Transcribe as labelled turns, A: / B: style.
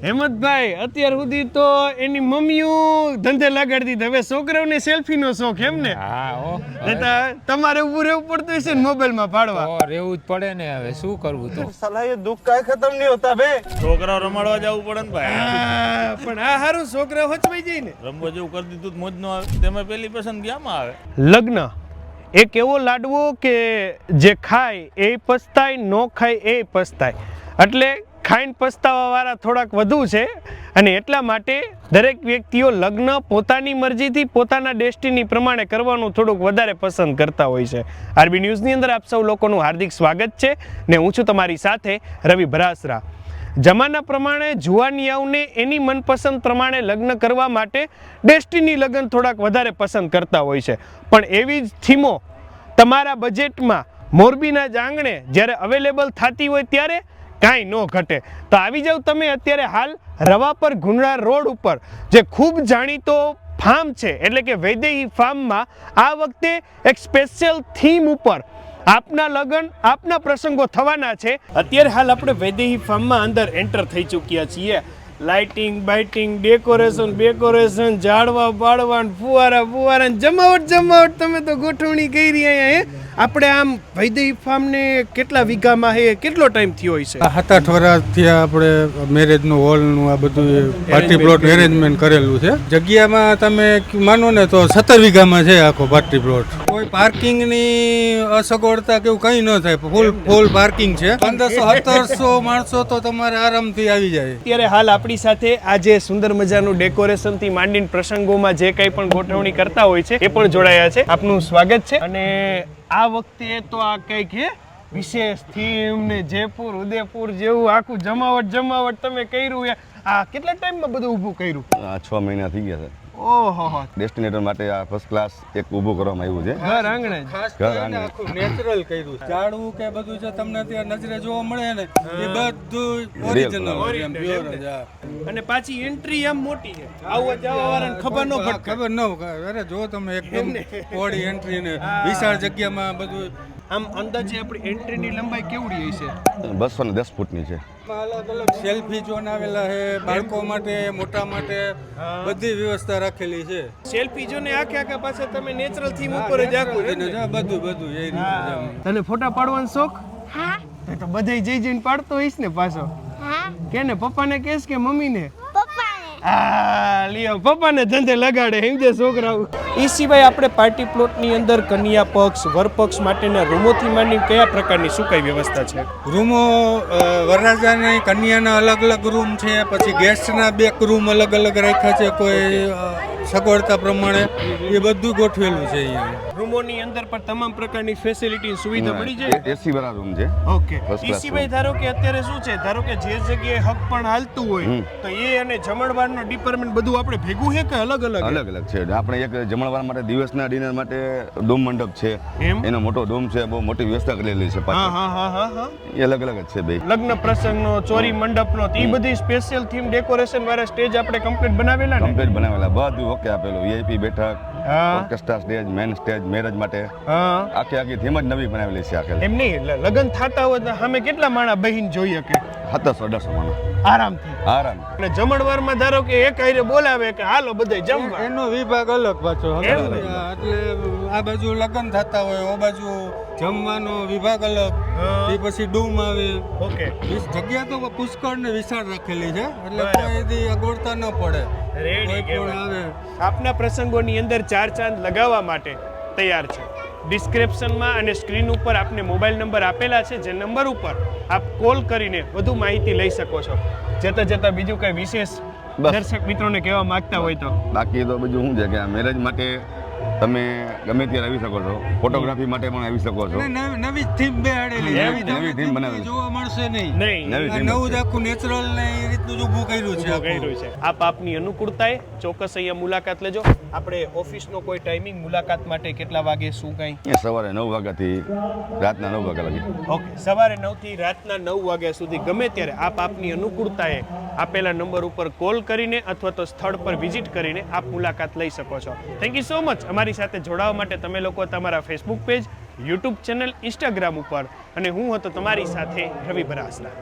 A: હેમંતભાઈ અત્યાર સુધી તો એની મમ્મીઓ ધંધે લગાડતી હતી, હવે છોકરાઓને સેલ્ફીનો શોખ એમ ને? તમારે ઉભું રહેવું પડતું હશે ને મોબાઈલમાં પાડવા?
B: રહેવું જ પડે ને, હવે શું કરવું તો.
C: સલાહ એ દુઃખ કાંઈ ખતમ નહીં હોતા બે.
D: છોકરાઓ રમાડવા જવું પડે ને ભાઈ.
A: પણ આ હારું છોકરા હચવાઈ જાય ને.
D: રમવા જેવું કરી દીધું મોજ નો આવે. તેમાં પેલી પસંદ ક્યાંમાં આવે?
A: લગ્ન એક એવો લાડવો કે જે ખાય એ પસ્તાય, નો ખાય એ પસ્તાય. એટલે ખાઈને પસ્તાવા વાળા થોડાક વધુ છે અને એટલા માટે દરેક વ્યક્તિઓ લગ્ન પોતાની મરજીથી પોતાના ડેસ્ટિની પ્રમાણે કરવાનું થોડુંક વધારે પસંદ કરતા હોય છે. આરબી ન્યૂઝની અંદર આપ સૌ લોકોનું હાર્દિક સ્વાગત છે ને હું છું તમારી સાથે રવિ ભરાસરા. જમાના પ્રમાણે જુવાનિયાઓને એની મનપસંદ પ્રમાણે લગ્ન કરવા માટે ડેસ્ટિની લગ્ન થોડાક વધારે પસંદ કરતા હોય છે, પણ એવી જ થીમો તમારા બજેટમાં મોરબીના જ આંગણે જ્યારે અવેલેબલ થતી હોય ત્યારે કાંઈ ન ઘટે. તો આવી જાવ તમે અત્યારે હાલ રવાપર ગુંડળા રોડ ઉપર જે ખૂબ જાણીતો ફાર્મ છે એટલે કે વૈદેહી ફાર્મમાં આ વખતે એક સ્પેશિયલ થીમ ઉપર આપના લગ્ન આપના પ્રસંગો થવાના છે. અત્યારે હાલ આપણે વૈદેહી ફાર્મમાં અંદર એન્ટર થઈ ચૂક્યા છીએ. લાઇટિંગ બાઇટિંગ ડેકોરેશન ઝાડવા બાળવા ફુવારા જમાવટ તમે તો ગોઠવણી કરી અહીંયા. આપણે આમ વૈદેહી ફાર્મને કેટલા વીઘામાં છે, કેટલો ટાઈમ થયો હોય છે?
E: 7-8 વર્ષથી આપણે મેરેજનું હોલનું આ બધું પાર્ટી પ્લોટ એરેન્જમેન્ટ કરેલું છે. જગ્યામાં તમે માનો ને તો 17 વીઘામાં છે આખો પાર્ટી પ્લોટ. કોઈ પાર્કિંગની અસગવડતા કે એવું કંઈ ન થાય, ફૂલ પાર્કિંગ છે. 1500-1700 માણસો તો તમારે આરામથી આવી જાય.
A: અત્યારે હાલ આપણી સાથે આ જે સુંદર મજાનું ડેકોરેશનથી માંડીને પ્રસંગોમાં જે કંઈ પણ ગોઠવણી કરતા હોય છે એ પણ જોડાયા છે. આપનું સ્વાગત છે. અને આ વખતે તો આ કંઈક હે વિશેષ થીમ ને જયપુર ઉદયપુર જેવું આખું જમાવટ તમે કર્યું. આ કેટલા ટાઈમમાં બધું ઊભું કર્યું?
F: 6 મહિના થઈ ગયા છે.
A: ઓહો,
F: ડેસ્ટિનેટર માટે આ ફર્સ્ટ ક્લાસ એક ઊભું કરવામાં આવ્યું છે.
A: ઘર આંગણે
E: ખાસ કરીને આખું નેચરલ કર્યું. ઝાડવું કે બધું જે તમને ત્યાં નજરે જોવા મળે ને એ બધું ઓરિજિનલ પ્યોર જ.
A: અને પાછી એન્ટ્રી આમ મોટી છે, આવું જવા વાળાને ખબર ન પડે.
E: ખબર ન અરે જો તમે એકદમ પોડી એન્ટ્રી ને વિશાળ જગ્યામાં બધું.
A: આમ અંદાજે આપણી એન્ટ્રીની લંબાઈ કેવડી હશે?
F: 210 ફૂટની છે.
E: અલગ અલગ સેલ્ફી ઝોન આવેલા છે, બાળકો માટે મોટા માટે બધી વ્યવસ્થા રાખેલી છે.
A: સેલ્ફી ઝોન આખે પાછા તમે નેચરલ થીમ ઉપર જ આખું
E: બધું એ રીતે.
A: તને ફોટા પાડવાનો શોખ?
G: હા.
A: તો બધે જઈને પાડતો હોઈશ ને પાછો?
G: હા.
A: કેને પપ્પાને કહેશ કે મમ્મીને?
G: પપ્પાને.
A: આ લ્યો પપ્પાને ધંધે લગાડે સમજે છોકરાઓ. એ સિવાય આપણે પાર્ટી પ્લોટની અંદર કન્યા પક્ષ વર પક્ષ માટેના રૂમોથી માંડી કયા પ્રકારની શું કઈ વ્યવસ્થા છે?
E: રૂમો વરરાજાની કન્યાના અલગ અલગ રૂમ છે, પછી ગેસ્ટના 2 રૂમ અલગ અલગ રાખ્યા છે કોઈ સગવડતા પ્રમાણે. એ બધું ગોઠવેલું છે અહીંયા.
A: રૂમોની અંદર પણ તમામ પ્રકારની ફેસિલિટી સુવિધા મળી જાય.
F: એસી વાળા રૂમ છે.
A: ઓકે. એ સિવાય ધારો કે અત્યારે શું છે, ધારો કે જે જગ્યાએ હક પણ હાલતું હોય તો એ અને જમણવારનો ડિપાર્ટમેન્ટ બધું આપણે ભેગું છે કે અલગ
F: અલગ છે? આપણે એક જમણવાર માટે દિવસના ડિનર માટે ડોમ મંડપ છે, એનો મોટો ડોમ છે, બહુ મોટી વ્યવસ્થા કરેલી છે.
A: હા.
F: એ અલગ જ છે બે.
A: લગ્ન પ્રસંગનો ચોરી મંડપનો એ બધી સ્પેશિયલ થીમ ડેકોરેશન વાળા સ્ટેજ આપણે કમ્પ્લીટ બનાવેલા ને?
F: કમ્પ્લીટ બનાવેલા, બધું ઓકે આપેલું. વીઆઈપી બેઠક, orchestra stage, main stage, marriage માટે આખી થીમ જ નવી બનાવેલી છે. આખે
A: એમ નહીં, લગ્ન થતા હોય તો સામે કેટલા માણા બહીન જોઈએ કે?
F: 1700-1800 માણસ
A: આરામથી. અને જમણવારમાં ધારો કે એક હારે બોલાવે કે હાલો બધે જમવા,
E: એનો વિભાગ અલગ પાછો. એટલે આ બાજુ લગ્ન થતા હોય, આ બાજુ જમવાનો વિભાગ અલગ, એ પછી ડૂમ આવે.
A: ઓકે.
E: જગ્યા તો પુષ્કળ ને વિશાળ રાખેલી છે એટલે કોઈ અગવડતા ન પડે.
A: આપના પ્રસંગોની અંદર 4 ચાંદ લગાવવા માટે તૈયાર છે. ડિસ્ક્રિપ્શનમાં અને સ્ક્રીન ઉપર આપને મોબાઈલ નંબર આપેલા છે, જે નંબર ઉપર આપ કોલ કરીને વધુ માહિતી લઈ શકો છો. જતા બીજું કઈ વિશેષ દર્શક મિત્રોને કહેવા માંગતા હોય તો?
F: બાકી તો બીજું શું છે કે આ મેરેજ માટે તમે ગમે ત્યારે આવી શકો છો, ફોટોગ્રાફી માટે પણ આવી શકો છો.
E: નવી થીમ બેહાડેલી,
F: નવી થીમ બનાવેલી
E: જોવા મળશે નહીં. નવું જ આખું નેચરલ ને એ રીતનું જ ઊભું કર્યું છે.
A: આપ આપની અનુકૂળતાએ ચોક્કસ અહીંયા મુલાકાત લેજો. આપણે ઓફિસનો કોઈ ટાઈમિંગ મુલાકાત માટે કેટલા વાગે શું કઈ?
F: સવારે 9 વાગ્યાથી રાતના 9 વાગ્યા લગી.
A: ઓકે. સવારે 9 થી રાતના 9 વાગ્યા સુધી ગમે ત્યારે આપ આપની અનુકૂળતાએ આપેલા નંબર ઉપર કોલ કરીને અથવા તો સ્થળ પર વિઝિટ કરીને આપ મુલાકાત લઈ શકો છો. Thank you so much. અમારી સાથે જોડાવા માટે તમે લોકો તમારા Facebook page, YouTube channel, Instagram ઉપર, અને હું હતો તમારી સાથે રવિ ભરાસરા.